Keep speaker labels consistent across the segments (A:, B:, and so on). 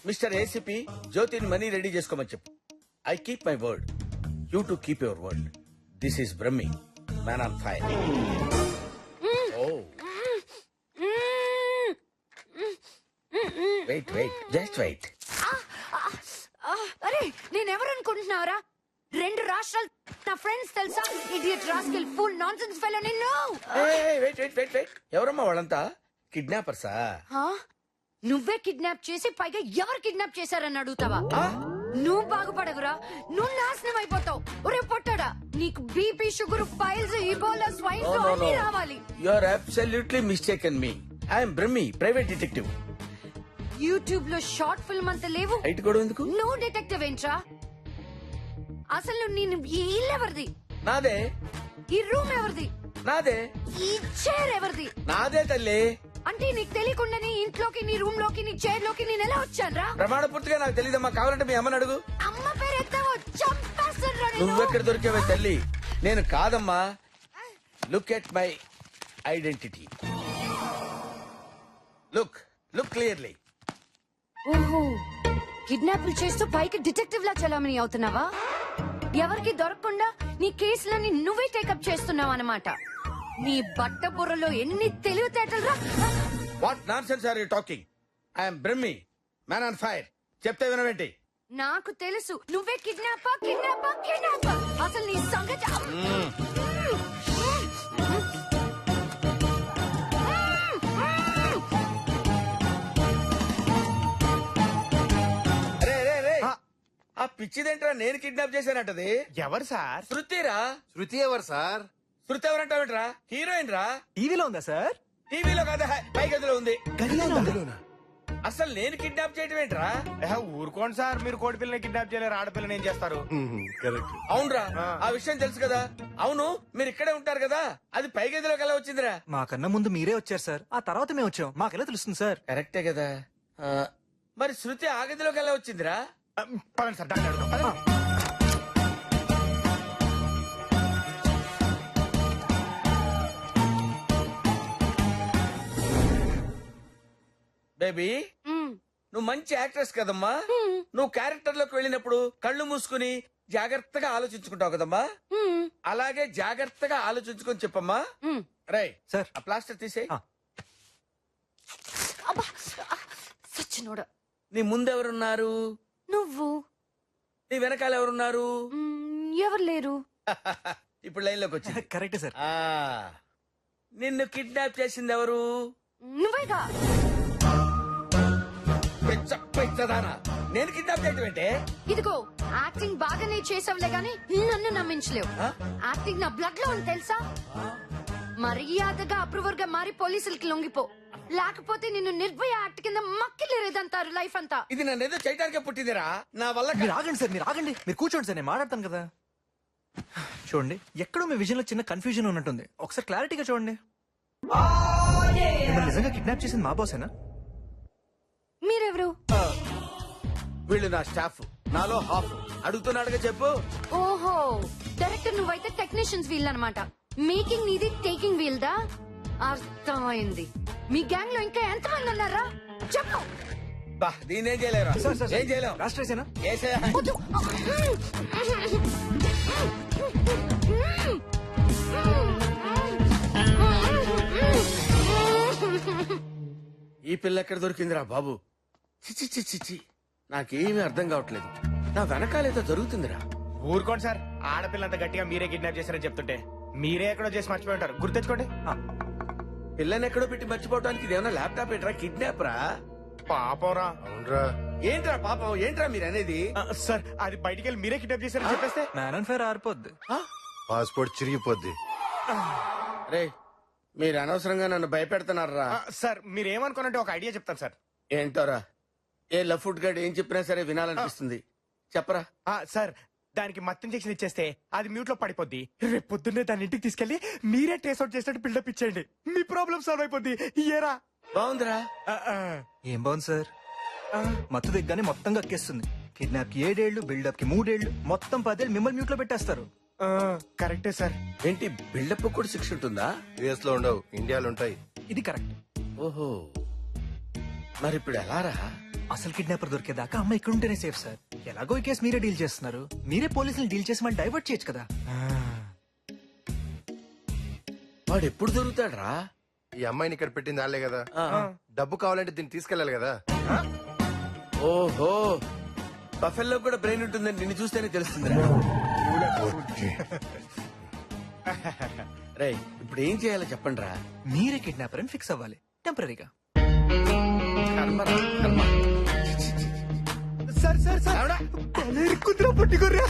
A: Mister ACP జ్యోతిని money ready చేసుకోమని చెప్పు. I keep my word, you to keep your word. This is Brahmi, man on fire. Oh wait wait, just wait.
B: అరే నేనెవరు అనుకుంటున్నావురా? 2 రాష్ట్రాలు నా ఫ్రెండ్స్ తెలుసా? Idiot rascal full nonsense fellow నిన్ను.
A: వెయిట్ వెయిట్ వెయిట్ వెయిట్, ఎవరమ్మా వాళ్ళంతా? కిడ్నాపర్సా?
B: నువ్వే కిడ్నాప్ చేసి పైగా ఎవరు కిడ్నాప్ చేశారని అడుగుతావా? నువ్వు బాగుపడవురా, నువ్వు నాశనం అయిపోతావు. ఒరే పొట్టాడా, నీకు BP, sugar, piles, Ebola, swine flu అన్ని రావాలి.
A: You are absolutely mistaken me. I'm Brahmi, private detective.
B: YouTube లో షార్ట్ ఫిల్మ్ అంత లేవు,
A: హైట్ కూడా ఎందుకు?
B: నువ్వు డిటెక్టివ్ ఏంట్రా? అసలు నేను ఈ ఇల్లు ఎవరిది?
A: నాదే.
B: ఈ రూమ్ ఎవరిది?
A: నాదే.
B: ఈ చైర్ ఎవరిది?
A: నాదే తల్లి.
B: అంటే నీకు తెలియకుండానే ఇంట్లోకి, నీ రూమ్ లోకి, నీ చైర్ లోకి నేను ఎలా వచ్చాను రా?
A: ప్రమాణ పూర్తిగా నాకు తెలియదమ్మా, కావాలంటే మీ అమ్మని అడుగు.
B: అమ్మ పేరు ఎత్తావో చంపేస్తాను.
A: నువ్వెక్కడ దొరికేవే తల్లి? నేను కాదమ్మా. Look at my identity. Look look clearly.
B: ఓహో, కిడ్నాపులు చేస్తూ పైకి డిటెక్టివ్ లా చలామణి అవుతున్నావా? ఎవరికి దొరకకుండా నీ కేసులని నువ్వే టేకప్ చేస్తున్నావు అన్నమాట. నీ బట్ట బుర్రలో ఎన్ని తెలివితేటలు రా!
A: What nonsense are you talking? I'm Brahmi, man on fire. చెప్తే వినవేంటి?
B: నాకు తెలుసు నువ్వే కిడ్నాపర్, కిడ్నాపర్, కిడ్నాపర్. అసలు నీ సంగతి
A: ఆ పిచ్చిదేంట్రా నేను కిడ్నాప్ చేశానంటది?
C: ఎవరు సార్?
A: శృతిరా.
D: శృతి ఎవరు సార్?
A: శృతి ఎవరంటావేంట్రా? హీరోయిన్ రా.
C: టీవీలో ఉందా సార్?
A: టీవీలో కాదా, పై గదిలో ఉంది.
C: గదిలోనా?
A: అసలు నేను కిడ్నాప్ చేయటం ఏంట్రా?
C: ఊరుకోండి సార్, మీరు కోడి పిల్లని కిడ్నాప్ చేయలేరు, ఆడపిల్లని ఏం చేస్తారు?
D: కరెక్ట్.
A: అవునరా, ఆ విషయం తెలుసు కదా. అవును, మీరు ఇక్కడే ఉంటారు కదా, అది పై గదిలోకి ఎలా వచ్చిందిరా?
E: మాకన్నా ముందు మీరే వచ్చారు సార్, ఆ తర్వాత మేము వచ్చాం. మాకెలా తెలుస్తుంది సార్?
A: కరెక్టే కదా. మరి శృతి ఆ గదిలోకి ఎలా వచ్చిందిరా?
C: పదండి సార్, డాక్టర్ అడుగుదాం, పదండి.
A: బేబీ, నువ్వు మంచి యాక్ట్రెస్ కదమ్మా. నువ్వు క్యారెక్టర్ లోకి వెళ్ళినప్పుడు కళ్ళు మూసుకుని జాగ్రత్తగా ఆలోచించుకుంటావు కదమ్మా. అలాగే జాగ్రత్తగా ఆలోచించుకొని చెప్పమ్మా. Right
E: sir.
A: ఆ ప్లాస్టర్ తీసేయ్.
B: సచ్చినోడ.
A: నీ ముందెవరున్నారు?
B: నువ్వు.
A: నీ వెనకాల ఎవరున్నారు?
B: ఎవరు లేరు.
A: ఇప్పుడు లైన్ లోకి వచ్చింది.
E: Correct sir.
A: నిన్ను కిడ్నాప్ చేసింది ఎవరు?
B: నువ్వేగా.
A: పెచ్చదానా, నేను కిడ్నాప్ చేయటం ఏంటే?
B: ఇదిగో యాక్టింగ్ బాగానే చేసావులే గాని నన్ను నమ్మించలేవు. యాక్టింగ్ నా బ్లడ్ లో ఉంది తెలుసా. మర్యాదగా అప్రూవర్ గా మారి పోలీసులకి లొంగిపో, లేకపోతే నిన్ను నిర్భయ యాక్ట్ కింద మక్కిలేదంటారు లైఫ్ అంతా.
A: ఇది నన్ను ఏదో చేయడానికే పుట్టిందిరా, నా వల్ల
E: మీరు ఆగండి సార్, మీరు ఆగండి. మీరు కూర్చోండి సార్, నేను మాట్లాడతాను కదా. చూడండి, ఎక్కడో మీ విజన్ లో చిన్న కన్ఫ్యూజన్ ఉన్నట్టుంది. ఒకసారి క్లారిటీగా చూడండి. మిమ్మల్ని నిజంగా కిడ్నాప్ చేసింది మా బాసేనా?
B: మీరెవరు?
A: వీళ్ళు నా స్టాఫ్, నాలో హాఫ్. అడుగుతున్నాడుగా చెప్పు.
B: ఓహో, డైరెక్టర్ నువ్వైతే టెక్నీషియన్స్ వీల్ అన్నమాట. మేకింగ్ నీది, టేకింగ్ వీల్ దా. అర్థమైంది. మీ గ్యాంగ్ లో ఇంకా ఎంతమంది ఉన్నారా చెప్పు.
A: బా, దీన్నేం చేయలేరు. ఏం చేయలేం.
E: రాష్ట్రేసేనా?
B: వద్దు.
A: ఈ పిల్ల ఎక్కడ దొరికిందిరా బాబు? చిచి చిచి చిచి, నాకేమీ అర్థం కావట్లేదు. నా వెనకాలేదో జరుగుతుందిరా.
C: ఊరుకోండి సార్, ఆడపిల్లంత గట్టిగా మీరే కిడ్నాప్ చేశారని చెప్తుంటే మీరే ఎక్కడో చేసి మర్చిపోయి ఉంటారు. గుర్తెచ్చుకోండి.
A: పిల్లని ఎక్కడో పెట్టి మర్చిపోవడానికి ఇదేమన్నా ల్యాప్టాప్ ఏంట్రా? కిడ్నాప్ రా.
C: పాపరా.
D: అవునరా.
A: ఏంట్రా పాపం, ఏంట్రా మీరు అనేది?
C: సార్, అది బయటికి వెళ్ళి మీరే కిడ్నాప్ చేశారని చెప్పేస్తే
E: మ్యాన్ అండ్ ఫైర్ ఆరిపోద్ది.
D: పాస్పోర్ట్ చిరిగిపోద్ది.
A: రే, మీరు అనవసరంగా నన్ను భయపెడుతున్నారా?
C: సార్, మీరేమనుకోనంటే ఒక ఐడియా చెప్తాను సార్.
A: ఏంటోరా? ఏ లఫుట్ గడ్ ఏం చెప్పినా సరే వినాలనిపిస్తుంది. చెప్పరా.
C: సార్, దానికి మత్తు ఇంజెక్షన్ ఇచ్చేస్తే అది మ్యూట్ లో పడిపోద్ది. రేపు పొద్దున్నే దాని ఇంటికి తీసుకెళ్లి మీరే ట్రేస్ అవుట్ చేసినట్టు బిల్డప్ ఇచ్చేయండి. మీ ప్రాబ్లం సాల్వ్ అయిపోద్ది. ఏరా?
A: బాగుందిరా.
E: ఏం బాగుంది సార్? మత్తు దిగ్గానే మొత్తం కక్కేస్తుంది. కిడ్నాప్ కి 7 ఏళ్లు, బిల్డప్ కి 3 ఏళ్లు, మొత్తం 10 ఏళ్ళు మిమ్మల్ని మ్యూట్ లో పెట్టేస్తారు.
C: కరెక్టే సార్.
A: ఏంటి, బిల్డప్ కూడా శిక్ష ఉంటుందా?
D: యుఎస్ లో ఉండవు, ఇండియాలో ఉంటాయి.
E: ఇది కరెక్ట్.
A: ఓహో, మరి ఇప్పుడు ఎలా రా?
E: అసలు కిడ్నాపర్ దొరికేదాకా అమ్మ ఇక్కడ ఉంటేనే సేఫ్ సార్. ఎలాగో ఈ కేసు మీరే డీల్ చేస్తున్నారు, మీరే పోలీసులు డీల్ చేసి మనం డైవర్ట్ చేయొచ్చు కదా.
A: వాడు ఎప్పుడు దొరుకుతాడ్రా?
D: ఈ అమ్మాయిని ఇక్కడ పెట్టింది వాళ్ళే కదా, డబ్బు కావాలంటే దీన్ని తీసుకెళ్ళాలి కదా.
A: ఓహో, బఫెల్లో కూడా బ్రెయిన్ ఉంటుందని నిన్ను చూస్తేనే తెలుస్తుంది. రే, ఇప్పుడు ఏం చేయాలో చెప్పండి రా.
E: మీరే కిడ్నాపర్ అని ఫిక్స్ అవ్వాలి టెంపరీగా.
C: సార్ సార్ సార్ కుదిరా పట్టుకోర్రా.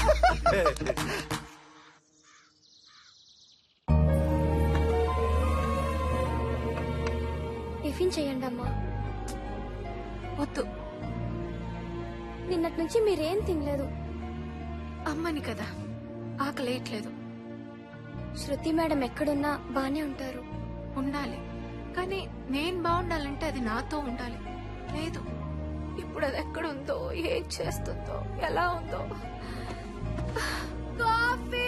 F: టిఫిన్ చేయండి అమ్మా.
B: వద్దు,
F: నిన్నటి నుంచి మీరేం తినలేదు.
B: అమ్మని కదా, ఆకలేయట్లేదు.
F: శృతి మేడం ఎక్కడున్నా బానే ఉంటారు.
B: ఉండాలి, కానీ నేను బాగుండాలంటే అది నాతో ఉండాలి. లేదు, ఇప్పుడు అది ఎక్కడుందో, ఏం చేస్తుందో, ఎలా ఉందో. కాఫీ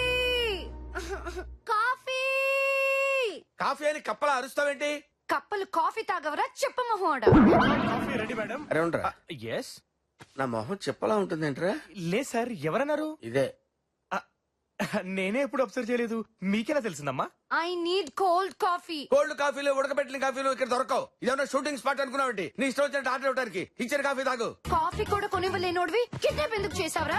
B: కాఫీ
A: కాఫీ అని కప్పలా అరుస్తావేంటి?
B: కప్పలు కాఫీ తాగవరా చెప్ప మొహోడా?
C: Coffee ready madam.
A: అరే ఉండరా,
C: ఎస్.
A: నా మొహం చెప్పలా ఉంటుందేంట్రా?
C: లేదు సార్, ఎవరన్నారు?
A: ఇదే.
C: నేనే ఎప్పుడు అబ్జర్వ్ చేయలేదు, మీకెలా తెలిసిందమ్మా?
B: I need cold coffee.
A: Cold కాఫీలు, ఉడకబెట్టిన కాఫీలు ఇక్కడ దొరకవు. ఇదేమన్నా షూటింగ్ స్పాట్ అనుకున్నావేంటి? నీ ఇష్టం వచ్చినట్టు ఆర్డర్ ఇవ్వడానికి. ఇచ్చిన కాఫీ తాగు.
B: కాఫీ కూడా కొనివ్వలేనోడివి కిడ్నాప్ ఎందుకు చేసావరా?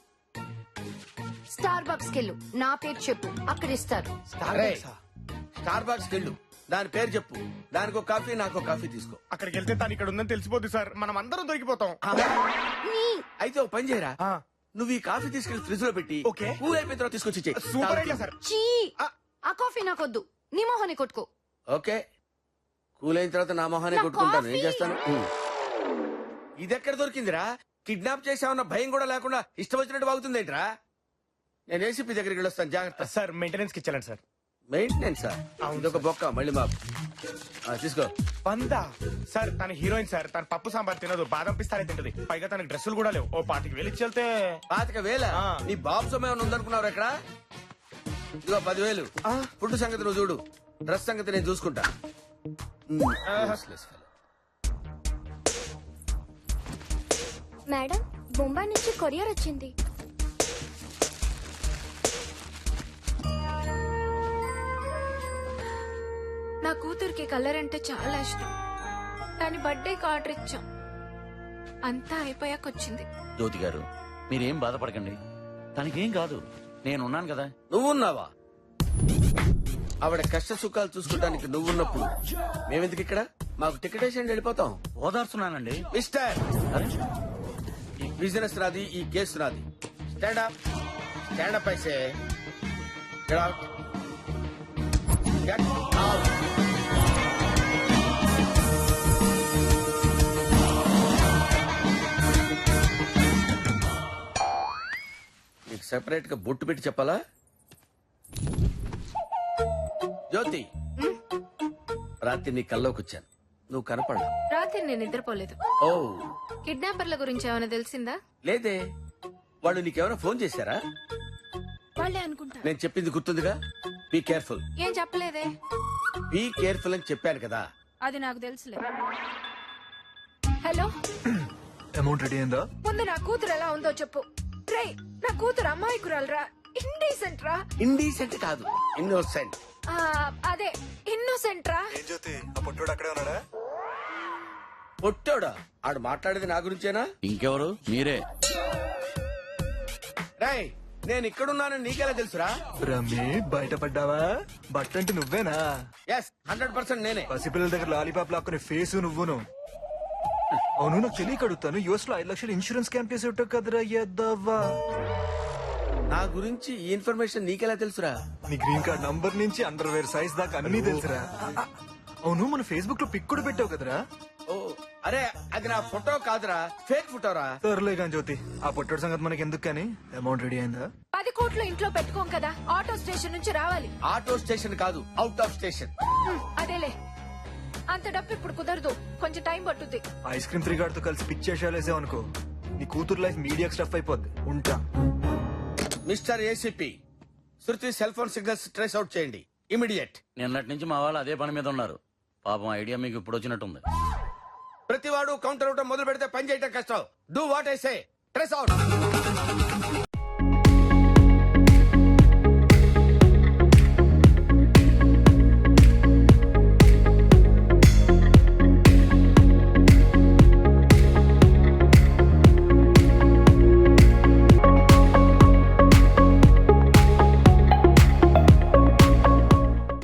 B: స్టార్ బక్స్ కెళ్ళు, నా పేరు చెప్పు, అక్కడ ఇస్తారు.
A: స్టార్ బాక్స్ వెళ్ళు, దాని పేరు చెప్పు, దానికి ఒక కాఫీ, నాకు ఒక కాఫీ తీసుకో.
C: అక్కడికి వెళ్తే తను ఇక్కడ ఉందని తెలిసిపోద్ది సార్, మనం అందరం దొరికిపోతాం.
A: అయితే ఒక పని చేయరా, నువ్వు ఈ కాఫీ తీసుకెళ్లి ఫ్రిడ్జ్ లో పెట్టి
C: ఓకే.
A: కూల్ అయిపోయిన తర్వాత తీసుకొచ్చి ఇచ్చేయ్.
C: Super idea sir.
B: చీ, ఆ కాఫీ నాకొద్దు, నీ మొహాన్ని కొట్టుకో.
A: ఓకే, కూల్ అయిన తర్వాత నా మొహాన్ని
B: నా
A: కొట్టుకుంటాను. ఏం
B: కాఫీ.
A: చేస్తాను? ఇది ఎక్కడ దొరికిందిరా? కిడ్నాప్ చేసామన్న భయం కూడా లేకుండా ఇష్టం వచ్చినట్టు బాగుతుంది ఏంట్రా? నేను ఏసీపీ దగ్గరికి వెళ్ళొస్తాను, జాగ్రత్త.
C: సార్ మెయింటెనెన్స్ కి ఇచ్చాలండి సార్.
A: మెయింటెనెన్స్ ఇదొక బొక్క, మళ్ళీ మా తీసుకో.
C: పందా సార్, తన హీరోయిన్ సార్, తన పప్పు సాంబార్ తినదు, బాదం పిస్తానే తింటది, పైగా తనకి డ్రెస్సులు కూడా లేవు. ఓ 25,000 ఇచ్చి వెళ్తే.
A: 25,000? నీ బాబు సమయం ఏమైనా ఉందనుకున్నావు ఎక్కడ? ఇదిగో 10,000. ఫుడ్ సంగతి నువ్వు చూడు, డ్రెస్ సంగతి నేను చూసుకుంటా.
F: మేడం, బొంబాయి నుంచి కొరియర్ వచ్చింది.
B: నా కూతురికి కలర్ అంటే చాలా ఇష్టం. దాని బర్త్డేకి ఆర్డర్ ఇచ్చాం, అంతా అయిపోయాక వచ్చింది.
G: జ్యోతి గారు, మీరేం బాధపడకండి, తనకేం కాదు, నేనున్నాను కదా.
A: నువ్వున్నావా? ఆవిడ కష్ట సుఖాలు చూసుకోవడానికి నువ్వున్నప్పుడు మేమెందుకు ఇక్కడ? మాకు టికెట్ వేసి వెళ్ళిపోతాం.
G: ఓదార్చున్నానండి.
A: మిస్టర్, ఈ బిజినెస్ నాది, ఈ కేసు నాది. స్టాండ్ అప్, స్టాండ్ అప్ అయితే. Get out. Get out. నీకు సెపరేట్ గా బొట్టు పెట్టి చెప్పాలా? జ్యోతి, రాత్రి నీ కల్లోకి వచ్చాను, నువ్వు కనపడలా.
B: రాత్రి నేను నిద్రపోలేదు.
A: ఓ,
B: కిడ్నాపర్ల గురించి ఏమైనా తెలిసిందా?
A: లేదే. వాళ్ళు నీకేమైనా ఫోన్ చేశారా?
B: వాళ్ళే అనుకుంటా.
A: నేను చెప్పింది గుర్తుందిగా? Be careful.
B: ఏం చెప్పలేదే.
A: బీ కేర్ఫుల్ అని చెప్పాను కదా.
B: అది నాకు తెలుసులే. హలో,
E: అమౌంట్ రెడీ అయిందా?
B: ముందు నా కూతురు ఎలా ఉందో చెప్పు. రే, నా కూతురు అమాయకురాలరా, ఇండీసెంట్ రా.
A: ఇండీసెంట్ కాదు, ఇన్నోసెంట్.
B: అదే ఇన్నోసెంట్ రా.
E: ఏం జ్యోతి, ఆ పొట్టోడు అక్కడే ఉన్నాడా?
A: పొట్టోడా? ఆడు మాట్లాడేది నా గురించేనా?
G: ఇంకెవరు? మీరే.
A: రాయ్, నేను ఇక్కడున్నానని నీకెలా తెలుసురా?
E: రమ్మి, బయటపడ్డావా? బట్టంటే నువ్వేనా?
A: ఎస్, 100% నేనే.
E: పసిపిల్లల దగ్గర లాలీపాప్ లాక్కునే ఫేసు నువ్వును. అవును, నాకు తెలియక అడుగుతాను, యుఎస్ లో 5 లక్షలు ఇన్సూరెన్స్ క్యాంప్ చేసి ఉంటావు కదరా ఎద్దవ్వా.
A: నా గురించి ఈ ఇన్ఫర్మేషన్ నీకెలా తెలుసురా?
E: నీ గ్రీన్ కార్డ్ నంబర్ నుంచి అండర్వేర్ సైజ్ దాకా అన్ని తెలుసురా. అవును, మన ఫేస్బుక్ లో పిక్ కూడా పెట్టావు కదరా?
A: ఓ, అరే అది నా ఫోటో కాదురా, ఫేక్ ఫోటోరా.
E: సర్లే కానీ జ్యోతి, ఆ పొట్టోడు సంగతి మనకి ఎందుకు కానీ, అమౌంట్ రెడీ అయిందా?
B: 10 కోట్లు ఇంట్లో పెట్టుకోం కదా, ఆటో స్టేషన్ నుంచి రావాలి.
A: ఆటో స్టేషన్ కాదు, అవుట్ ఆఫ్ స్టేషన్.
B: అదేలే, అంత డబ్బు ఇప్పుడు కుదరదు, కొంచెం టైం పట్టుద్ది.
E: ఐస్ క్రీమ్ 3 గార్డ్ తో కలిసి పిక్ చేసేసావు అనుకో, నీ కూతురు లైఫ్ మీడియా స్టఫ్ అయిపోద్ది. ఉంటా.
A: Mister ACP, Shruti cell phone signals trace out చేయండి, ఇమిడియట్.
G: నిన్నటి నుంచి మా వాళ్ళు అదే పని మీద ఉన్నారు. పాపం ఐడియా మీకు ఇప్పుడు వచ్చినట్టుంది.
A: ప్రతివాడు కౌంటర్ అవటం మొదలు పెడితే పని చేయటం కష్టం. Do what I say. Trace out.